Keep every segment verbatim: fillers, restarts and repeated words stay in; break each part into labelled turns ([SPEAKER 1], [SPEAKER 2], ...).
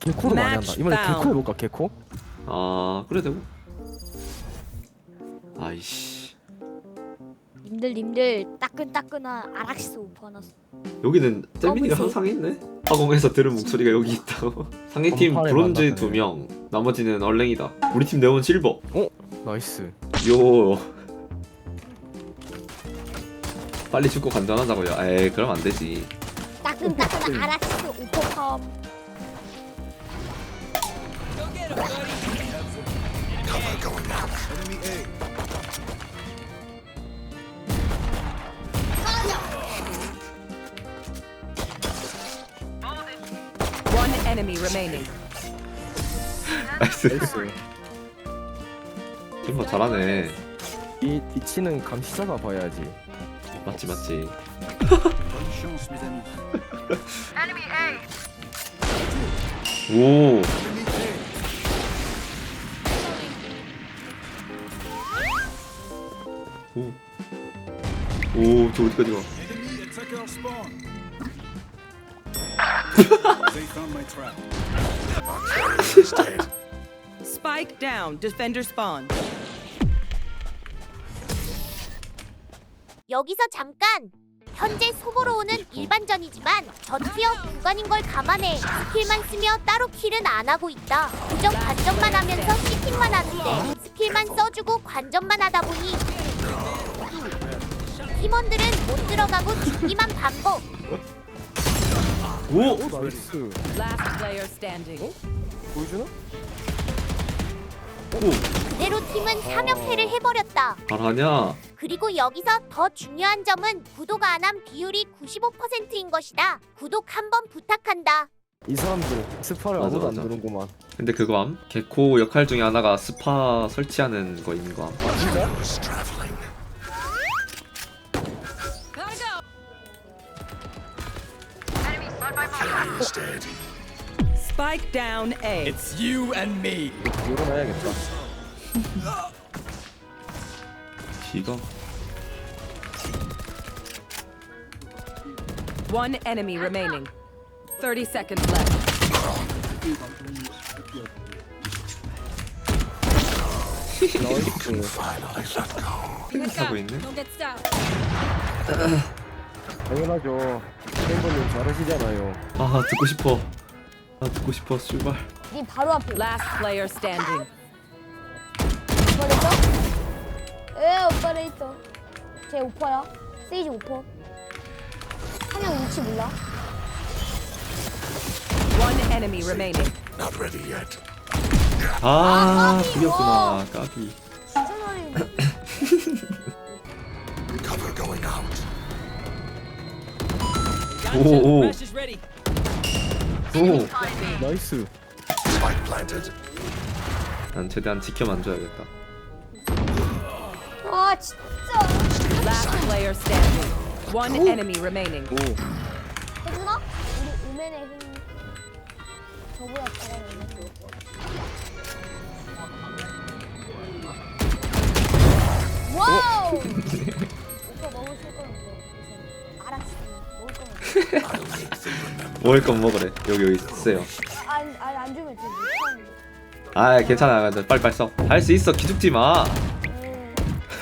[SPEAKER 1] 개코도 많이 한다. 이번에 개코 해볼까? 개코?
[SPEAKER 2] 아 그래 되고. 아이씨
[SPEAKER 3] 님들 님들 따끈따끈한 아락시스 오퍼 하나.
[SPEAKER 2] 여기는 잼민이가
[SPEAKER 3] 검은색.
[SPEAKER 2] 항상 있네. 화공에서 들은 목소리가 여기 있다고. 상대팀
[SPEAKER 1] 검파를
[SPEAKER 2] 브론즈
[SPEAKER 1] 만났네.
[SPEAKER 2] 두 명, 나머지는 얼랭이다. 우리 팀 네온 실버.
[SPEAKER 1] 나이스.
[SPEAKER 2] 요 빨리 죽고 간전하자고요. 에이 그럼 안 되지.
[SPEAKER 3] 따끈따끈한 아락시스 오퍼컴.
[SPEAKER 4] One enemy remaining.
[SPEAKER 2] 나이스.
[SPEAKER 1] 나이스.
[SPEAKER 2] 팀버 잘하네.
[SPEAKER 1] 이 뒤치는 감시 잡아봐야지.
[SPEAKER 2] 맞지 맞지. 오. 오. 오, 저 어디까지 가?
[SPEAKER 4] Spike down. Defender spawn.
[SPEAKER 3] 여기서 잠깐. 현재 소보로 오는 일반전이지만 저티어 구간인 걸 감안해 스킬만 쓰며 따로 킬은 안 하고 있다. 그저 관전만 하면서 시팅만 하는데 스킬만 써주고 관전만 하다 보니 팀원들은 못 들어가고 죽기만 반복.
[SPEAKER 2] 오.
[SPEAKER 1] 오 나이스.
[SPEAKER 4] Last player standing.
[SPEAKER 1] 보여주나?
[SPEAKER 2] 오.
[SPEAKER 3] 그대로 팀은 삼 연패를 해버렸다.
[SPEAKER 2] 잘하냐?
[SPEAKER 3] 그리고 여기서 더 중요한 점은 구독 안 한 비율이 구십오 퍼센트인 것이다. 구독 한번 부탁한다.
[SPEAKER 1] 이 사람들 스파를
[SPEAKER 2] 맞아,
[SPEAKER 1] 아무도 안
[SPEAKER 2] 맞아.
[SPEAKER 1] 두는구만.
[SPEAKER 2] 근데 그거 암? 개코 역할 중에 하나가 스파 설치하는 거 있는 거 암?
[SPEAKER 1] 아 진짜?
[SPEAKER 4] Spike down A.
[SPEAKER 5] It's you and me.
[SPEAKER 1] 열어놔야겠다.
[SPEAKER 2] 기가.
[SPEAKER 4] One enemy remaining. Thirty seconds left.
[SPEAKER 1] 나이스.
[SPEAKER 2] 하고 있네.
[SPEAKER 1] 당연하죠. 멤버님 잘하시잖아요.
[SPEAKER 2] 아 듣고 싶어. 아 듣고 싶어. 출발.
[SPEAKER 3] 니 바로 앞에
[SPEAKER 4] Last player standing.
[SPEAKER 3] 오퍼레이터? 에 오퍼레이터. 제 오퍼야. 세이지 오퍼. 한영 위치 몰라.
[SPEAKER 4] One enemy remaining.
[SPEAKER 2] 아 그렸구나. 까비.
[SPEAKER 3] 진짜 잘해.
[SPEAKER 2] 오오.
[SPEAKER 5] is ready.
[SPEAKER 2] 오.
[SPEAKER 1] 나이스.
[SPEAKER 2] 난 최대한 지켜만 줘야겠다.
[SPEAKER 3] 아 진짜.
[SPEAKER 4] Last player standing. One enemy remaining.
[SPEAKER 1] 오.
[SPEAKER 3] 해주나? 우리 우맨의 힘. 저보다 잘하네. 와우! 오빠 먹을 수 거는데. 알았어. 먹을 거면.
[SPEAKER 2] 먹을 건 먹으래. 여기 여기 있어요.
[SPEAKER 3] 안, 안, 안 주면 진짜 못하는데.
[SPEAKER 2] 아 괜찮아. 빨리빨리 써. 할 수 있어. 기죽지 마.
[SPEAKER 3] 음.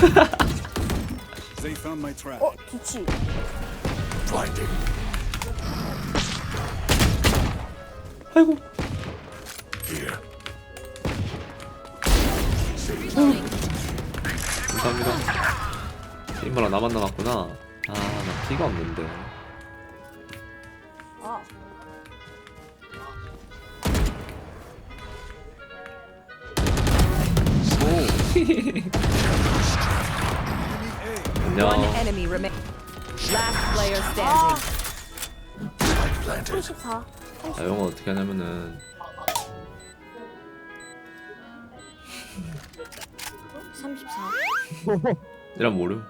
[SPEAKER 5] They found my trap.
[SPEAKER 3] 어, 뒤치.
[SPEAKER 2] 아이고. 감사합니다. 팀버랑 나만 남았구나. 아, 나 피가 없는데.
[SPEAKER 3] 아.
[SPEAKER 2] 안녕.
[SPEAKER 4] One enemy remain. Last player
[SPEAKER 3] 아.
[SPEAKER 4] standing.
[SPEAKER 3] 삼십사.
[SPEAKER 2] 아, 영어 어떻게 하냐면은
[SPEAKER 3] 삼십사.
[SPEAKER 2] 이란 모름.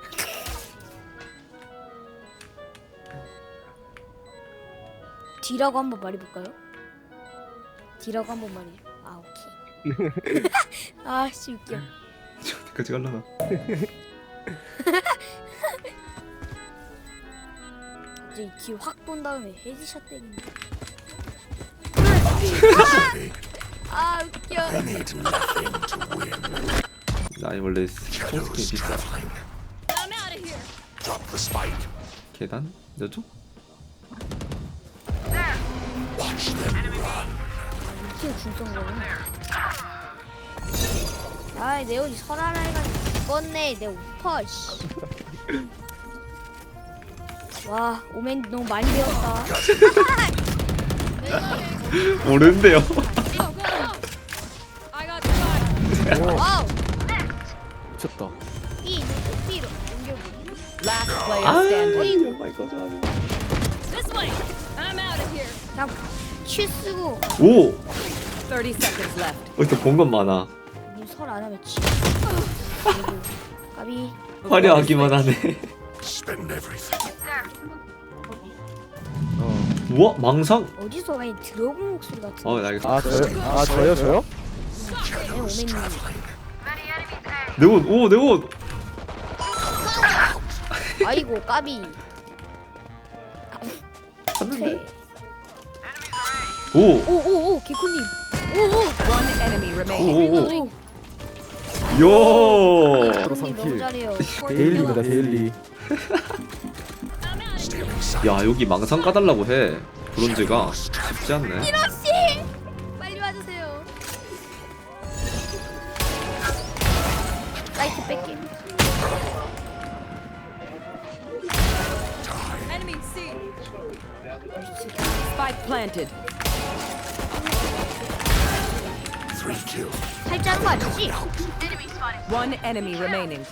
[SPEAKER 3] D라고 한번 말해볼까요? D라고 한번 말해. 아 오케이. 아씨 웃겨.
[SPEAKER 2] 어디까지 갈라나?
[SPEAKER 3] 이제 뒤 확 본 다음에 헤드샷 때리는.
[SPEAKER 2] 나 원래 총스킨 비싸. 계단? 여쪽?
[SPEAKER 6] 키우 중성 거는. 아이 내 옷이 설하라 해가지고 죽었네 내 오빠 씨. 와 오멘 너무 많이 배웠다.
[SPEAKER 2] 모르는데요.
[SPEAKER 6] 와우.
[SPEAKER 1] 미쳤다.
[SPEAKER 6] 이 B로 옮겨보기.
[SPEAKER 4] Last player
[SPEAKER 2] 아,
[SPEAKER 4] standing.
[SPEAKER 2] 오 마이 갓.
[SPEAKER 6] 그냥 큐 쓰고
[SPEAKER 2] 오!
[SPEAKER 4] thirty seconds left.
[SPEAKER 2] 어디서 본 건 많아.
[SPEAKER 6] 설안 하면 지. 그리고 까비.
[SPEAKER 2] 화려하기만 하네.
[SPEAKER 1] 어.
[SPEAKER 2] 우와, 망상?
[SPEAKER 6] 어디서 많이 들어본 목소리 같은데.
[SPEAKER 2] 어, 나 알겠어.
[SPEAKER 1] 아 저요? 아 저요 저요?
[SPEAKER 6] 네, 오멘님.
[SPEAKER 2] 내 옷, 오, 내 옷!
[SPEAKER 6] 아이고 까비.
[SPEAKER 2] 봤는데?
[SPEAKER 6] 네.
[SPEAKER 2] 오!
[SPEAKER 6] 오오오 개코님. 오오.
[SPEAKER 4] One enemy remaining.
[SPEAKER 2] 오, 오, 오. 요!
[SPEAKER 6] 개코님 너무 잘해요.
[SPEAKER 1] 데일리입니다 데일리.
[SPEAKER 2] 야, 여기 망상 까달라고 해. 브론즈가 쉽지 않네.
[SPEAKER 6] 씨 빨리 와주세요. 라이트 뺄게.
[SPEAKER 4] Spike planted.
[SPEAKER 6] 살자는 거 아니지?
[SPEAKER 4] One enemy remaining.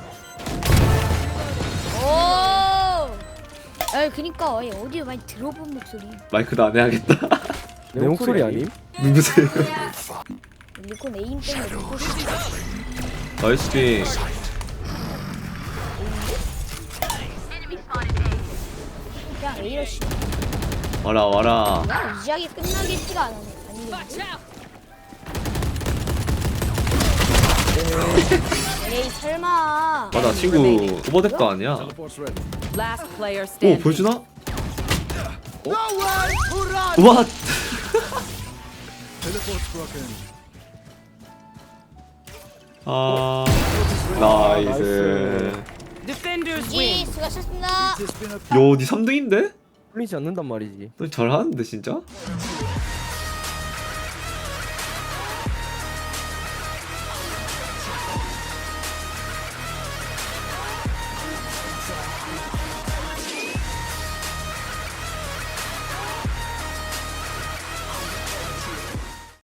[SPEAKER 6] 오. 아 그니까 어디에 많이 들어본 목소리.
[SPEAKER 2] 마이크도 안 해야겠다.
[SPEAKER 1] 내 목소리 아님?
[SPEAKER 2] 누구세요?
[SPEAKER 6] 리콘 에임 때문에 리콘
[SPEAKER 2] 나이스 핑.
[SPEAKER 6] 그냥 A러시.
[SPEAKER 2] 와라, 와라.
[SPEAKER 6] 그냥 이지하게 끝나겠지가 않네. 아니겠지? 에이 설마.
[SPEAKER 2] 맞아, 친구 오버뎁도 아니야.
[SPEAKER 5] Teleport's ready.
[SPEAKER 4] Last player
[SPEAKER 2] 오,
[SPEAKER 4] standing.
[SPEAKER 2] 보여주나?
[SPEAKER 5] No way! Hurrah!
[SPEAKER 2] 와!
[SPEAKER 5] Teleport's broken.
[SPEAKER 2] 아, 나이스.
[SPEAKER 4] Defenders
[SPEAKER 6] 지
[SPEAKER 4] win.
[SPEAKER 6] 수고하셨습니다.
[SPEAKER 5] It's been a
[SPEAKER 2] 요, 니 삼 등인데?
[SPEAKER 1] 풀리지 않는단 말이지.
[SPEAKER 2] 너 잘하는데, 진짜?